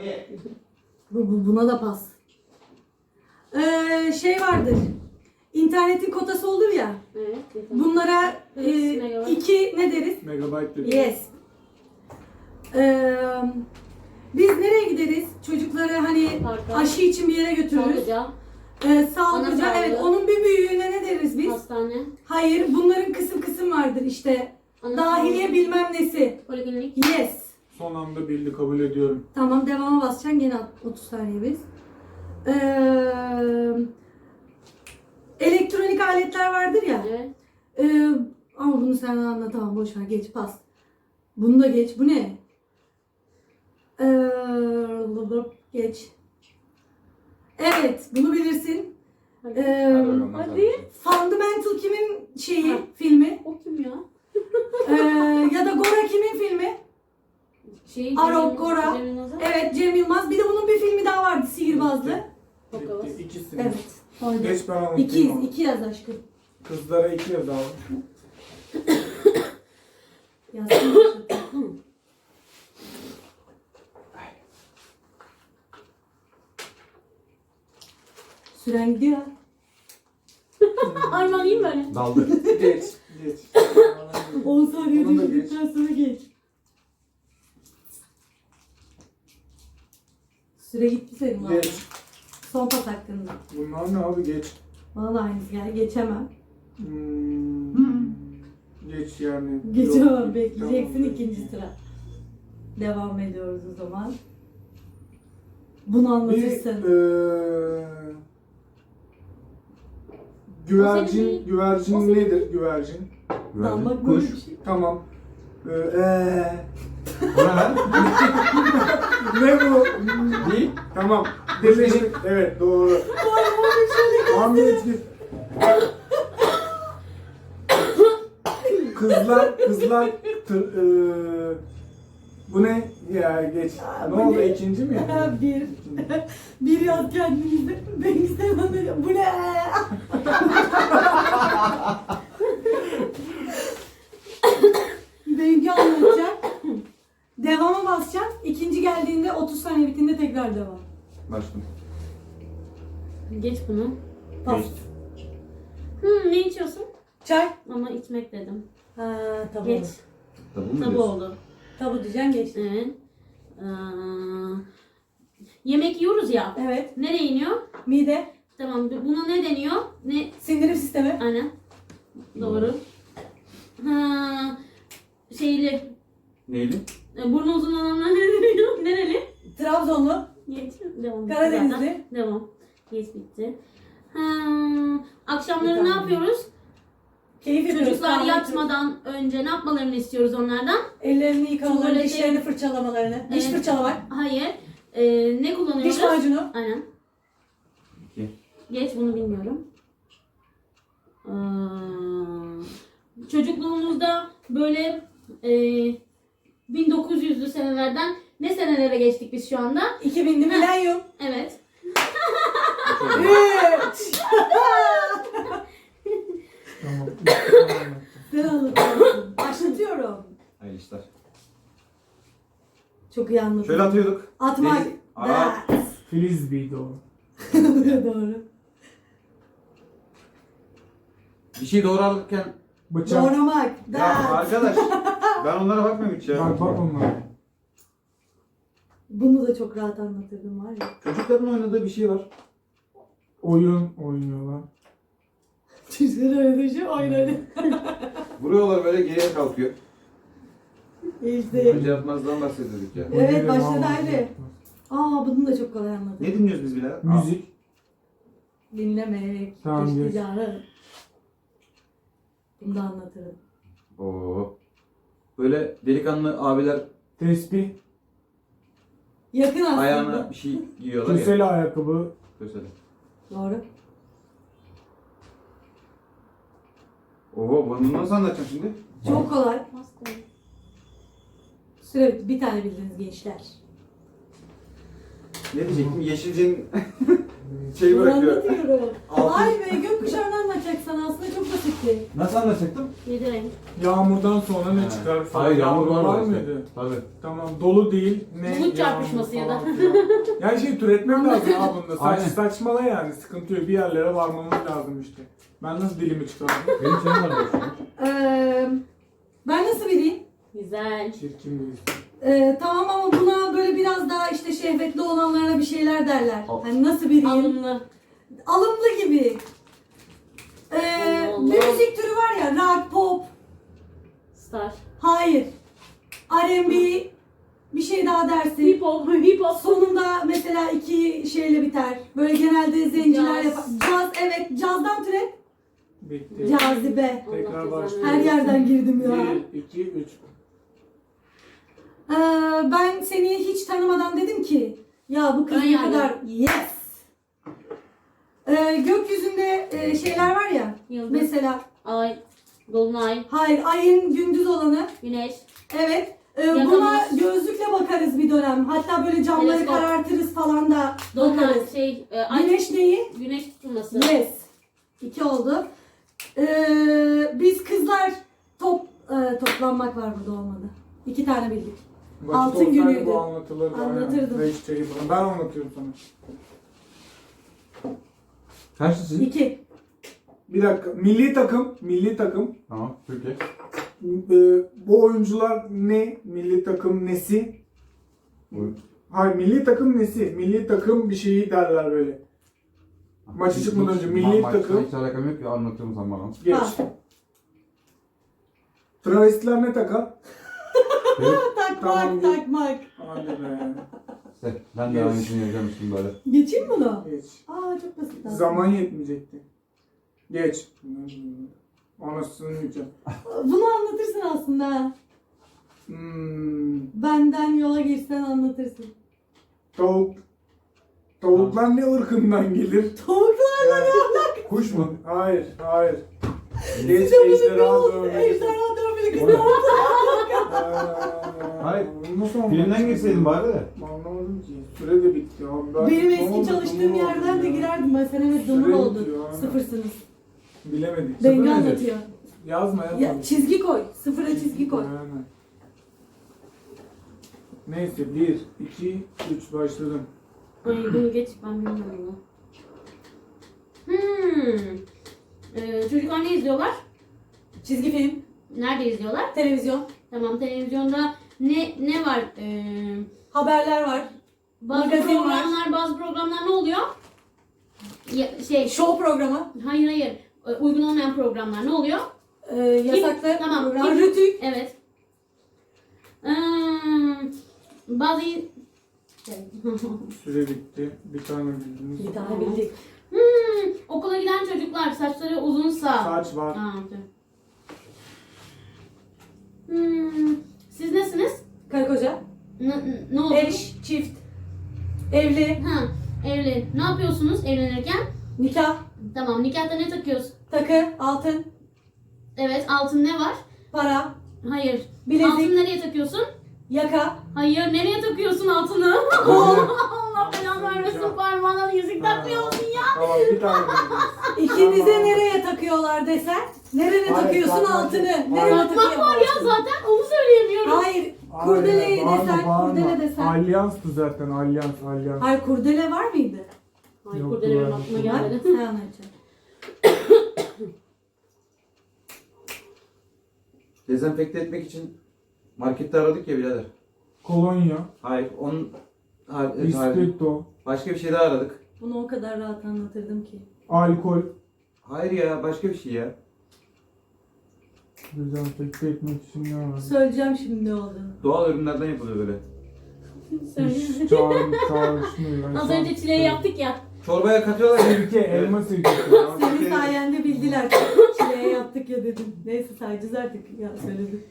Buna da pas. Şey vardır. İnternetin kotası olur ya. Evet. Bunlara iki ne deriz? Megabyte dedi. Yes. Biz nereye gideriz? Çocukları hani Parka. aşı için bir yere götürürüz. Sağlıca. Sağlıkça. Ana Evet. sağlığı. Onun bir büyüğüne ne deriz biz? Hastane. Hayır. Bunların kısım kısım vardır işte. Ana Dahiliye sağlığı. bilmem nesi. Poliklinik. Yes. Son anda bildi, kabul ediyorum. Tamam, devama basacaksın. Gene 30 saniye biz. Elektronik aletler vardır ya. Evet. Ama bunu sen anlatamam. Boş ver. Geç, pas. Bunu da geç. Bu ne? Geç. Evet. Bunu bilirsin. Hadi. Hadi. Fundamental kimin şeyi? Ha. Filmi? O kim ya? Ya da Gora kimin filmi? Arok, Gora. Evet, Cem Yılmaz. Bir de bunun bir filmi daha vardı. Sihirbazlı. Bitti. İkisini. Evet. Pardon. Geç ben anlatayım. İki yaz aşkım. Kızlara 2 yaz abi. Yazsın. Süren gidiyor. Armanayım böyle. Daldı. Geç. Geç. 10 saniye Onu da düşündükten sonra geç. Süre gitti senin valla. Geç. Son pas hakkında. Bunlar ne abi, geç. Bana da aynısı geldi. Geçemem. Geç yani. Geçemem. Yok, Bekleyeceksin tamam. ikinci sıra. Devam ediyoruz o zaman. Bunu Bir anlatırsın. güvercin, O güvercin senin- nedir? Güvercin. Dalmak böyle Kuş. bir şey. Tamam. Bu ne lan? Ne bu? Değil. Tamam. Birleşik. Evet, doğru. Ahmet git. Kızlar bu ne ya, geç. Bu Ne oldu, ne? ikinci mi ya? Bir yaz kendinizde. Ben istemem. Bu ne? Benimki anlatacak. Devama basacaksın. İkinci geldiğinde 30 saniye bittiğinde tekrar devam. Başladım. Geç bunu. Pas. Ne içiyorsun? Çay. Ama içmek dedim. Ha, tabu. Geç. Tabu mu Tabu diyorsun? oldu. Tabu diyeceksin, geç. Evet. Yemek yiyoruz ya. Evet. Nereye iniyor? Mide. Tamam. Buna ne deniyor? Ne? Sindirim sistemi. Aynen. Doğru. Ha, şeyli. Neyli? Burnu uzun olanlar ne deniyor? Nereli? Trabzonlu. Geç. Devam. Karadenizli. Devam. Geç bitti. Akşamları ne yapıyoruz? Keyif yapıyoruz. Çocuklar kahve yatmadan önce ne yapmalarını istiyoruz onlardan? Ellerini yıkamalarını, Tuvalete- dişlerini fırçalamalarını. Diş Evet. fırçalamak. Hayır. Ne kullanıyoruz? Diş macunu. Aynen. 2. Geç, bunu bilmiyorum. Çocukluğumuzda böyle 1900'lü senelerden ne senelere geçtik biz şu anda? 2000'li milenyum. Evet. 3. Tamam. Ben anlatıyorum. Başlatıyorum. Hayırlı işler. Çok iyi anlatıyorum. Şöyle atıyorduk. Atmak. Deniz- Aa. Frisbee'ydi o. Doğru. Bir şey doğru alırken... Bıçak. Doğramak. Ya That. arkadaş, ben onlara bakmıyorum hiç ya. Bak onlara. Bunu da çok rahat anlatırdım var ya. Çocukların oynadığı bir şey var. Oyun oynuyorlar. Çocuklar öyle şey oynadı. Vuruyorlar böyle, geriye kalkıyor. İşte. Önce yapmazdan bahsediyorduk ya. Evet, başladı, Oyun hadi. oynuyorlar. Bunu da çok kolay anladım. Ne dinliyoruz biz bile? Müzik. Dinlemek. Tamam, geç. İşticarı. Bunu da anlatırım. Oo. Böyle delikanlı abiler Tespih. Yakın aslında. ayağına bir şey giyiyorlar ya. Köseli ayakkabı. Kösele. Doğru. Oo, bunu nasıl anlatacağım şimdi? Çok kolay. Hasta. Süre bitti. Bir tane bildiniz gençler. Ne diyecektim? Yeşilce'nin Şey bırakıyor. Anlatıyorum. Altın- Ay be, gökkuşağını anlatacaksan aslında çok basitti. Nasıl anlatacaktım? 7 renk. Yağmurdan sonra ne He. çıkar? Hayır, yağmur var işte. mıydı? Tabii. Tamam, dolu değil. Ne? Bulut çarpışması ya da. yağmur falan filan. Yani şey türetmek lazım ha bunda. Aynen. Saçmala yani, sıkıntı yok. Bir yerlere varmamız lazım işte. Ben nasıl dilimi çıkardım? Benim şeyim var şu an. Ben nasıl bileyim? Güzel. Çirkin bir isim. Tamam ama buna böyle biraz daha işte şehvetli olanlara bir şeyler derler. Al. Hani nasıl bileyim? Alımlı. Alımlı gibi. Allah. Bir müzik türü var ya, rock, pop. Star. Hayır. R&B, bir şey daha dersin. Hip hop. Hip hop. Sonunda mesela iki şeyle biter. Böyle genelde zenciler Caz. yapar. Caz, evet, cazdan türet. Bitti. Cazibe. Allah Tekrar cezanı başlıyoruz. Her yerden girdim ya. 1, 2, 3. Ben seni hiç tanımadan dedim ki ya bu kız Ön ne yargı. kadar yes. Gökyüzünde şeyler var ya. Yıldız. Mesela Ay. Dolunay. hayır, ayın gündüz olanı. Güneş. Evet. Yakamoz. Buna gözlükle bakarız bir dönem. Hatta böyle camları Teleskop. karartırız falan da Dolunay. bakarız. Ay. Güneş neyi? Güneş tutulması. Yes. 2 oldu. Biz kızlar toplanmak var burada, olmadı. 2 tane bildik. Vakit Altın olsaydı günüydü. bu anlatılırdı. Anlatırdım. Aynen. Beş çayı bana. Ben anlatıyorum sana. Kaçtı sizin? 2. Bir dakika. Milli takım. Milli takım. Tamam. Türkiye. Bu oyuncular ne? Milli takım nesi? Buyurun. Hayır, milli takım nesi? Milli takım bir şeyi derler böyle. Maçı çıkmadan önce milli takım. Hiç alakam yok ya, anlatıyorum sen bana. Geç. Ha. Travestiler ne takar? Evet. Takmak, Tamam. takmak. Hadi be. İşte ben de aynısını yapacağım şimdi böyle. Geçeyim mi bunu? Geç. Çok basit. aslında. Zaman yetmeyecekti. Geç. Anasını yiyeceğim. Bunu anlatırsın aslında. Benden yola girsen anlatırsın. Tavuk. Tavuklar ne ırkından gelir? Tavuklar Kuş mu? Hayır, hayır. Geç, size bunu ne ejderha oldu? dövmeli. Ejderha dövmeli O kız. ne? Hayır. Nasıl anladın? Birinden girseydin bari de. Anlamadım ki. Süre de bitti abi. Ben Benim ne eski oldu, çalıştığım ne yerden oldu de ya? girerdim ben. Sen evet dumur Süre oldun. bitiyor, aynen. Sıfırsınız. Bilemedik. Bengi nedir? anlatıyor. Yazma yazma. Ya, çizgi koy. Sıfıra çizgi koy. Aynen. Neyse 1, 2, 3 başladım. Ay bunu geç, ben bilmiyorum bunu. Çocuklar ne izliyorlar? Çizgi film, Nerede izliyorlar? televizyon, Tamam, televizyonda ne var? haberler var. Bazı Magazin programlar, bazı programlar ne oluyor? Show programı, Hayır. Uygun olmayan programlar ne oluyor? yasaklı Tamam. program, Kim? rütük. Evet. Bazı Süre bitti. Bir tane bildiniz. Bir tane bildik. okula giden çocuklar saçları uzunsa. Saç var. Okey. Siz nesiniz? Karı koca, Ne oldu? eş, çift, evli, Ha, evli. Ne yapıyorsunuz evlenirken? nikah, Tamam, nikahta ne takıyorsun? takı, altın, Evet, altın ne var? para, Hayır. bilezik, Altın nereye takıyorsun? yaka, Hayır, nereye takıyorsun altını? kol. Allah belanı vermesin, parmağına yüzük takmıyor musun ya? Tamam bir tane bildiniz. İkinize nereye takıyorlar desen? Nereye Hayır, takıyorsun takmak altını? yok. Nereye Hayır. Takmak takıyorsun? var ya zaten, onu söyleyemiyorum. Hayır, kurdele Hayır, bağırma, desen, bağırma. kurdele desen. Alyanstı zaten, alyans. Hayır, kurdele var mıydı? Hayır, Yok, kurdele benim ben- aklıma Var. gelmedi. Sen anlatacaksın. Dezenfekte etmek için markette aradık ya birader. Kolonya, Hayır, hayır. ispirto, Başka bir şey daha aradık. Bunu o kadar rahat anlatırdım ki. alkol. Hayır ya, başka bir şey ya. Dezenfekte etmek için ne var? Söyleyeceğim şimdi ne olduğunu. Doğal ürünlerden yapılıyor böyle. Hiç çağrışmıyor. Az önce çileği yaptık ya. Çorbaya katıyorlar ya. Sirke, elma sirkesi. Senin sayende bildiler. Çileğe yaptık ya dedim. Neyse sayacağız artık. Ya söyledim.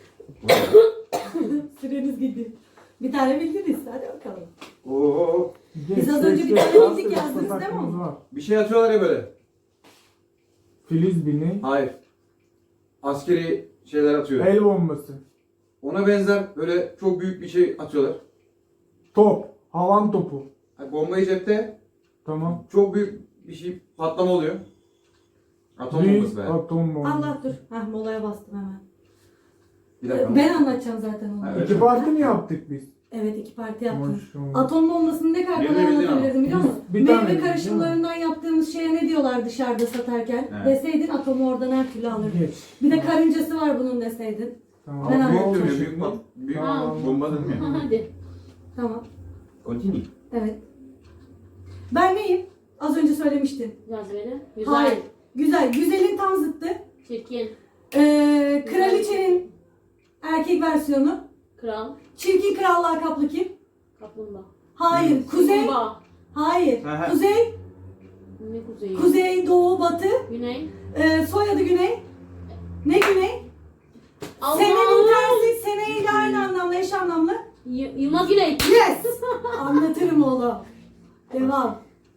Süreniz gitti. Bir tane bildiniz. Hadi bakalım. Oo. Biz az önce bir tane bildik, yazdınız değil mi onu? Var. Bir şey atıyorlar ya böyle. Filiz bini, Hayır. Askeri şeyler atıyor. el bombası, Ona benzer böyle çok büyük bir şey atıyorlar. top, havan topu. Bombayı cepte. Tamam. Çok büyük bir şey patlama oluyor. Atom Büyük bombası be. atom bombası. Allah dur. Heh, molaya bastım hemen. Bir dakika. Ben anlatacağım zaten onu. Evet. İki parti mi yaptık biz? Evet, iki parti yaptım. Maşallah. Atom bombasını ne kadar Birini kolay bildin ama. anlatabilirdim biliyor musun? Bir tane Meyve bildin, karışımlarından yaptığımız şeye ne diyorlar dışarıda satarken? Evet. Deseydin atomu oradan her türlü alırdın. Geç. Bir de karıncası var bunun deseydin. Tamam. Ben Ama büyük anladım. değil mi? Büyük, büyük Ha. bomba değil mi? Hadi. Tamam. Continue. Evet. Ben neyim? Az önce söylemiştin. Cazibeli. Güzel. Hayır. Güzel. Güzelin tam zıttı. Çirkin. Kraliçenin erkek versiyonu. Kral. Çirkin kral lakaplı kim? Kaplumbağa. Hayır. Kuzey. Kumbağa. Hayır. Hı hı. Kuzey. Ne kuzeyi? Kuzey, doğu, batı. Güney. Soyadı Güney. Ne Güney? Senenin Allah'ım. tersi. Seneyle aynı anlamda, eş anlamlı. Yılmaz Güney. Yes! Anlatırım oğlum. Devam.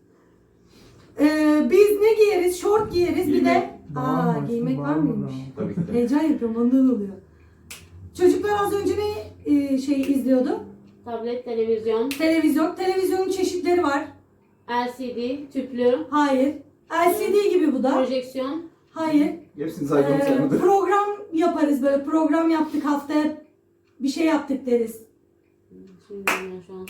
Biz ne giyeriz? Şort giyeriz. Bir de... Giymek. Giymek var mıymış? Tabii ki de. Heyecan yapıyorum, ondan oluyor. Çocuklar az önce ne izliyordu? Tablet, televizyon. Televizyon. Televizyonun çeşitleri var. LCD. Tüplü. Hayır. LCD gibi bu da. Projeksiyon. Hayır. Hepsini saydım saymadım. Program yaparız böyle. Program yaptık haftaya bir şey yaptık deriz. Şimdi bilmiyorum şu an.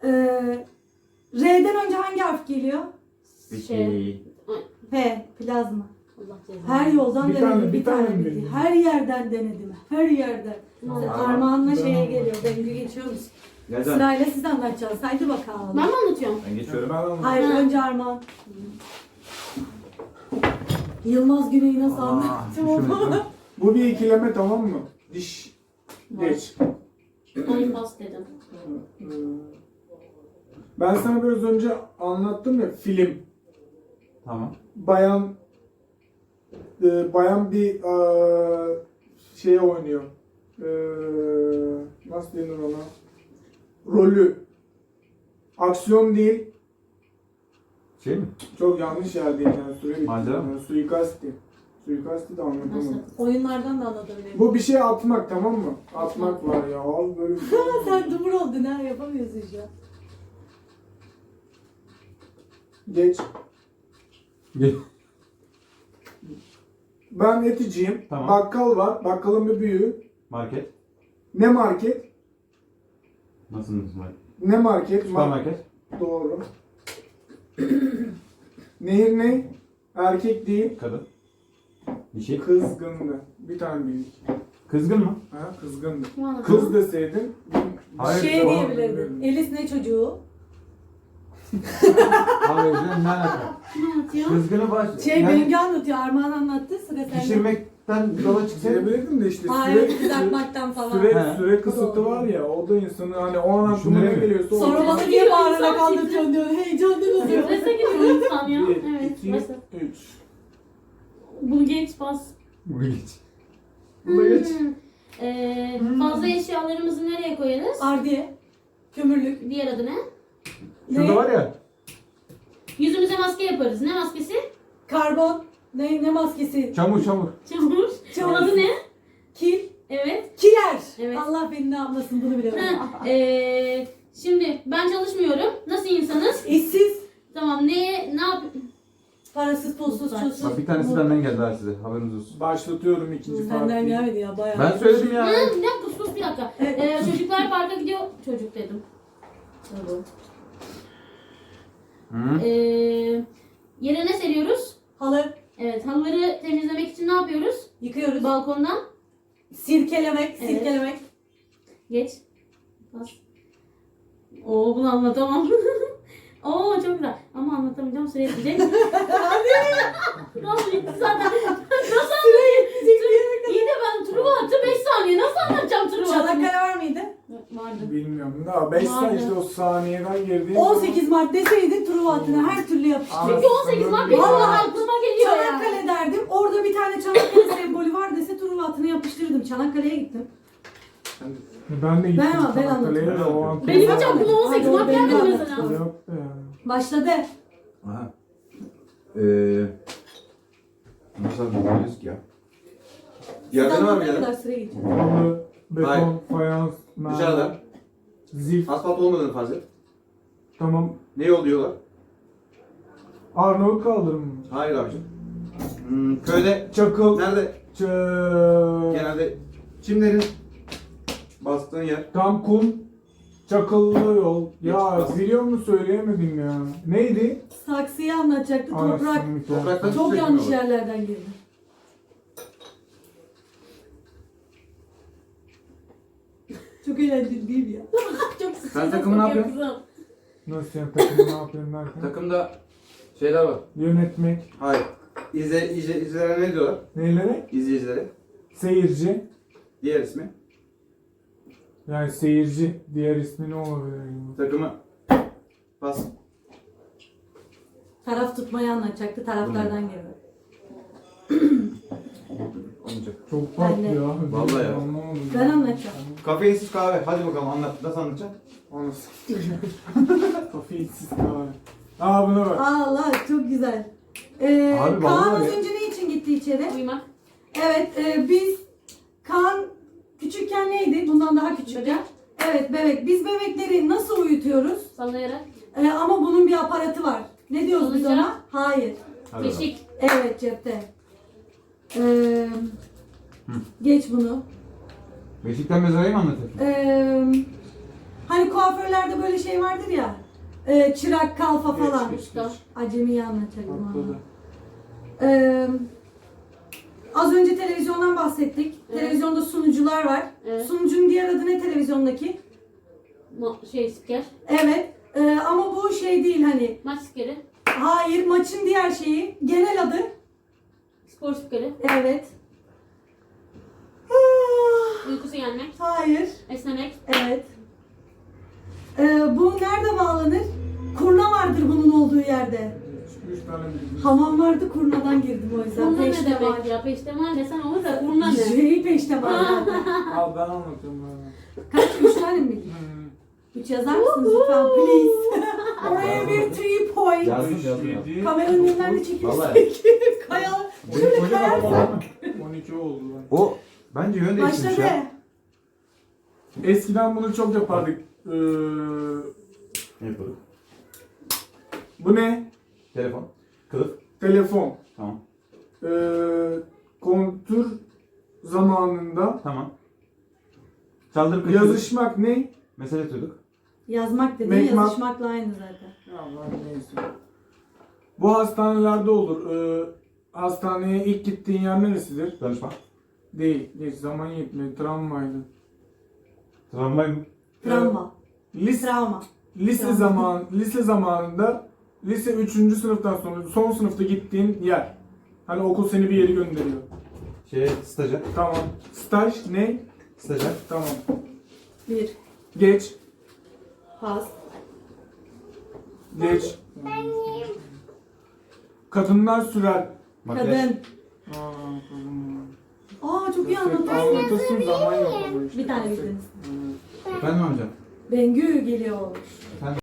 R'den önce hangi harf geliyor? Peki. P. Plazma. Allah cezanı. Her yoldan Bir denedim. tane- Bir bir tane tane mi bildi. bildin? Her yerden denedim. Her yerden. Tamam. Armağanla şeye Tamam. geliyor. Dengü geçiyoruz. Gel sen. Sırayla siz anlatacaksınız. Haydi bakalım. Ben mi anlatıyorum? Ben geçiyorum. Hayır, Ha. önce Armağan. Yılmaz Güney'i nasıl anlattım onu? Bu bir ikileme, tamam mı? Diş. Geç. Ay pas dedim. Ben sana biraz önce anlattım ya, film. Tamam. Bayan bir şey oynuyor. Nasıl denir ona? Rolü. Aksiyon değil. Şey mi? Çok yanlış yerdeyim yani. Süre bitti. Macera mı? Yani suikasti. Suikasti de anlatamadım. Nasıl? Oyunlardan da anlatabilirim. Bu bir şey atmak, tamam mı? Atmak var ya. Al böyle bir şey. Sen dumur oldun ha, yapamıyorsun şu an. Geç. Ben eticiyim. Tamam. Bakkal var. Bakkalın bir büyüğü. Market. Ne market? Nasıl market? Ne market? Süpermarket. Doğru. Nehir ne? Erkek değil. Kadın. Bir şey. Kızgındı. Bir tane bildik. Kızgın mı? Ha, kızgındı. Kim anlattı? Kız deseydin. Hayır, Şey tamam, diyebilirdin. bilmiyorum. Elis ne çocuğu? Hayır canım, ne alaka? Kim anlatıyor? Kızgını baş... Şey yani Bengü anlatıyor. Armağan anlattı. Sıra sende. pişirmekten yola çıksaydı. Diyebilirdim de işte Hayır, kızartmaktan falan. süre, He. süre kısıtı var ya, o da insanı hani o an aklına ne Düşündüremiyor. geliyorsa o. Sonra bana niye bağırarak anlatıyorsun diyor. Heyecanlı oluyor. Strese giriyor insan ya. 1, Evet. 2, Başla. 3. Bunu geç pas. Bu geç. Bu da geç. Fazla eşyalarımızı nereye koyarız? Ardiye. Kömürlük. Diğer adı ne? Şurada var ya. Yüzümüze maske yaparız. Ne maskesi? Karbon. Ne maskesi? Çamur. Çamur. Çamur. Adı ne? Kil. Evet. Kiler. Evet. Allah beni ne yapmasın bunu bilemem. Ha, şimdi ben çalışmıyorum. Nasıl insanız? İşsiz. Tamam. Ne yap? Parasız, pulsuz, çulsuz. Bak bir tanesi benden geldi ha size. Haberiniz olsun. Başlatıyorum ikinci Senden partiyi. gelmedi ya bayağı. Ben söyledim ya. Ha, bir dakika sus bir dakika. Çocuklar parka gidiyor. Çocuk dedim. Tabii. Hı. Yere ne seriyoruz? Halı. Evet. Halıları temizlemek için ne yapıyoruz? Yıkıyoruz. Balkondan. Sirkelemek. Evet. Sirkelemek. Geç. Bas. Oo bunu anlatamam. Oo çok güzel. Ama anlatamayacağım. Süre yetecek. Nasıl bitti zaten? Nasıl anlatayım? İyi de ben Truva attı 5 saniye. Nasıl anlatacağım Truva attı? Çanakkale var mıydı? Vardı. Bilmiyorum. Daha 5 Vardı. saniye işte o saniyeden girdi. 18 Mart deseydin Truva hattına her türlü yapıştır. Çünkü 18 Mart benim Vallahi aklıma geliyor ya. Çanakkale derdim. Orada bir tane Çanakkale sembolü var dese Truva hattına yapıştırırdım. Çanakkale'ye gittim. Ben de gittim. Ben Çanakkale'ye de anlatayım. o an. Benim hiç aklıma 18 Hadi Mart benim gelmedi anlatım. mesela. Yok be ya. Başladı. Aha. Nasıl anlatıyoruz ki ya? Yerde ne var mı Ne kadar yerde? süre geçiyor? Halı, beton, Hayır. fayans, Dışarıda. mermer, zif. Asfalt olmadığını farz et. Tamam. Ne yol diyorlar? Arnavut kaldırım mı? Hayır abicim. Köyde Çakıl. nerede genelde çimlerin bastığın yer. Tam kum. Çakıllı yol. Ya Geçmez. biliyor musun söyleyemedim ya. Neydi? Saksıyı anlatacaktı. Toprak. Anasını Topraktan Çok sürekli yanlış olur. yerlerden girdi. Çok eğlenceli değil mi ya? Çok Sen takımı ne yapıyorsun? kızım. Nasıl yani takımı ne yapayım derken? Takımda şeyler var. Yönetmek. Hayır. İzleyicilere ne diyorlar? Neylere? İzleyicilere. Seyirci. Diğer ismi. Yani seyirci. Diğer ismi ne olabilir? Takımı pas. Taraf tutmayı anlatacaktı. Taraftardan girdi. Olmayacak. Çok farklı Ben de. ya. Vallahi ya. Anlamadım. Ben anlatacağım. Kafeinsiz kahve. Hadi bakalım anlat. Nasıl anlatacaksın? Anasını sikeyim. Kafeinsiz kahve. Aa buna bak. Allah çok güzel. Abi Kaan vallahi az ya. önce ne için gitti içeri? Uyumak. Evet biz Kaan küçükken neydi? Bundan daha küçükken. Bebek. Evet bebek. Biz bebekleri nasıl uyutuyoruz? Sallayarak. Ama bunun bir aparatı var. Ne diyoruz biz Salıncak. ona? Hayır. Hadi bakalım. Beşik. Evet cepte. Geç bunu. Beşikten mezarayı mı anlatıyorsun? Hani kuaförlerde böyle şey vardır ya. Çırak, kalfa falan. Geç, geç. Acemiyi anlatacaktım ama. Atladı. Az önce televizyondan bahsettik. Evet. Televizyonda sunucular var. Evet. Sunucunun diğer adı ne televizyondaki? Spiker. Evet. Ama bu şey değil hani. Maç spikeri. Hayır, maçın diğer şeyi. Genel adı. Spor spikeri. Evet. Uykusu gelmek. Hayır. Esnemek. Evet. Bu nerede bağlanır? Kurna vardır bunun olduğu yerde. 3 tane bildim. Hamam vardı, kurnadan girdim o yüzden. Kurna ne Peştemal. demek ya? Peştemal desen olur da kurna ne? Şeyi peştemal zaten. Al ben anlatıyorum bana. Kaç? 3 tane mi bildin? 3 yazar mısınız lütfen please? Oraya bir 3 point. Yazdım yazdım. 7, Kameranın önünden de Vallahi. çekilsek. Kaya. Şöyle kayar. 12 oldu lan. O bence yön değiştirmiş Başladı. ya. Eskiden bunu çok yapardık. Ne yapalım? Bu ne? Telefon. Kılıf. Telefon. Tamam. Kontür zamanında Tamam. Saldırı kaçırdık. yazışmak ne? Mesele tutuyorduk. Yazmak dedin, Mekmak. yazışmakla aynı zaten. Ya lan neyse. Bu hastanelerde olur. Hastaneye ilk gittiğin yer neresidir? Danışma. Değil. Geç zaman yetmedi. Travmaydı. Tramvay mı? Travma. Lise, Travma. lise zamanında lise 3. sınıftan sonra son sınıfta gittiğin yer. Hani okul seni bir yere gönderiyor. Stajyer. Tamam. Staj ne? Stajyer. Tamam. 1. Geç. Pas. Geç. Kadınlar sürer. Makyaj. Kadın. Kadın. Aa çok iyi anlattın. Anlatırsın zaman yok. ama işte. Bir tane bildiniz. Evet. Efendim amcam. Bengü geliyor. Efendim.